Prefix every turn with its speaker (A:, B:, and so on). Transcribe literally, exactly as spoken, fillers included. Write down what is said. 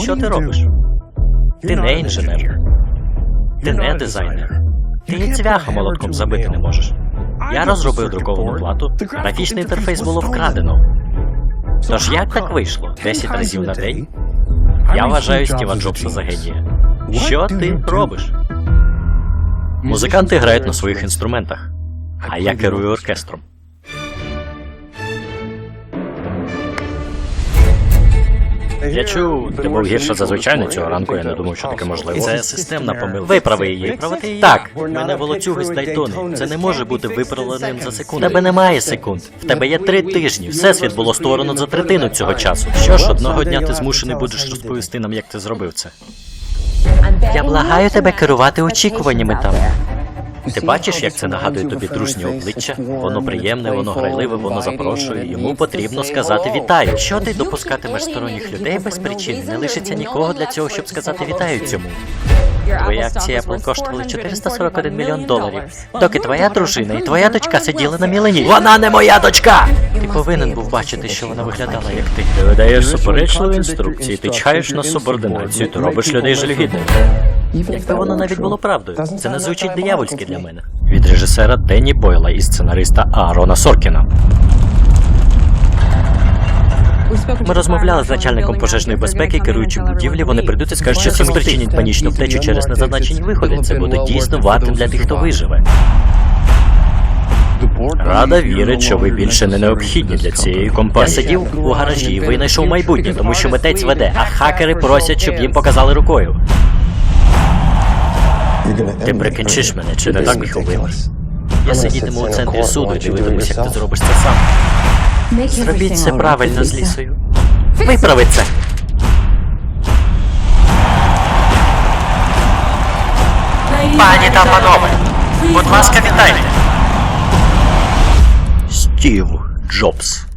A: Що ти робиш? Ти не інженер. Ти не дизайнер. Ти і цвяха молотком забити не можеш. Я розробив друковану плату, графічний інтерфейс було вкрадено. Тож як так вийшло? Десять разів на день? Я вважаю Стіва Джобса за генія. Що ти робиш? Музиканти грають на своїх інструментах, а я керую оркестром. Я чув, ти був гірше за звичайно цього ранку, я не думав, що таке можливо. Це системна помилка. Виправи її. Виправити її? Так. В мене волоцюги з Дайтони. Це не може бути виправленим за секунду. В тебе немає секунд. В тебе є три тижні. Всесвіт було створено за третину цього часу. Що ж, одного дня ти змушений будеш розповісти нам, як ти зробив це. Я благаю тебе керувати очікуваннями там. Ти бачиш, як це нагадує тобі дружнє обличчя? Воно приємне, воно грайливе, воно запрошує. Йому потрібно сказати «вітаю». Якщо ти допускатимеш сторонніх людей без причини, не лишиться нікого для цього, щоб сказати «вітаю» цьому. Твої акції Apple коштували чотириста сорок один мільйон доларів, доки твоя дружина і твоя дочка сиділи на мілені. Вона не моя дочка! Ти повинен був бачити, що вона виглядала, як ти. Ти видаєш суперечливі інструкції, ти чхаєш на субординацію, ти робиш людей жалюгідними. Якби воно навіть було правдою, це не звучить диявольськи для мене. Від режисера Денні Бойла і сценариста Аарона Соркіна. Ми розмовляли з начальником пожежної безпеки, керуючим будівлі. Вони прийдуть і скажуть, що це спричинить панічну втечу через незазначені виходи. Це буде дійсно вартим для тих, хто виживе. Рада вірить, що ви більше не необхідні для цієї компанії. Я сидів у гаражі і винайшов майбутнє, тому що митець веде, а хакери просять, щоб їм показали рукою. Ти прикінчиш мене, чи не так, Міховило? Я сидітиму у центрі суду і дивитимусь, як ти зробиш це сам. Зробіть це правильно з Лісою. Виправи це! Пані та панове, будь ласка, вітайте! Стів Джобс.